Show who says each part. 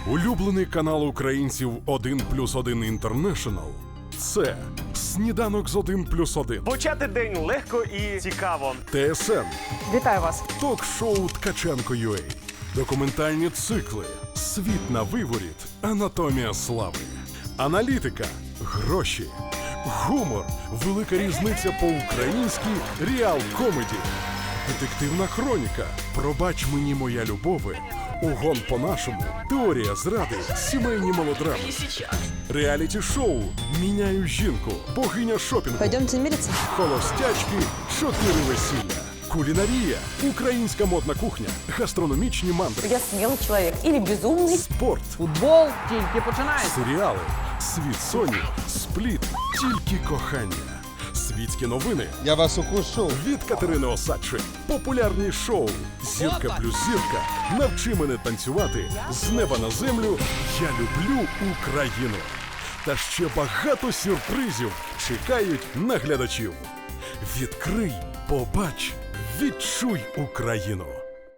Speaker 1: Улюблений канал українців 1+1 International – це «Сніданок з 1+1».
Speaker 2: Почати день легко і цікаво.
Speaker 1: ТСН.
Speaker 3: Вітаю вас.
Speaker 1: Ток-шоу «Ткаченко.UA». Документальні цикли «Світ на виворіт. Анатомія слави». Аналітика. Гроші. Гумор. Велика різниця по-українськи. Реал-комеді. Детективна хроніка. Пробач мені, моя любове. Угон по-нашому. Теорія зради. Сімейні мелодрами. Реаліті-шоу «Міняю жінку». Богиня шопінгу.
Speaker 3: Пойдемте мириться?
Speaker 1: Холостячки, 4 весілля. Кулінарія, українська модна кухня, гастрономічні мандри,
Speaker 3: Я смелый человек или безумный.
Speaker 1: спорт,
Speaker 4: Футбол тільки починається.
Speaker 1: серіали, світ Соні, спліт, тільки кохання. Світські новини
Speaker 5: Я вас укушу.
Speaker 1: від Катерини Осадчі. Популярні шоу «Зірка плюс зірка», «Навчи мене танцювати», «З неба на землю», «Я люблю Україну». Та ще багато сюрпризів чекають на глядачів. Відкрий, побач, відчуй Україну.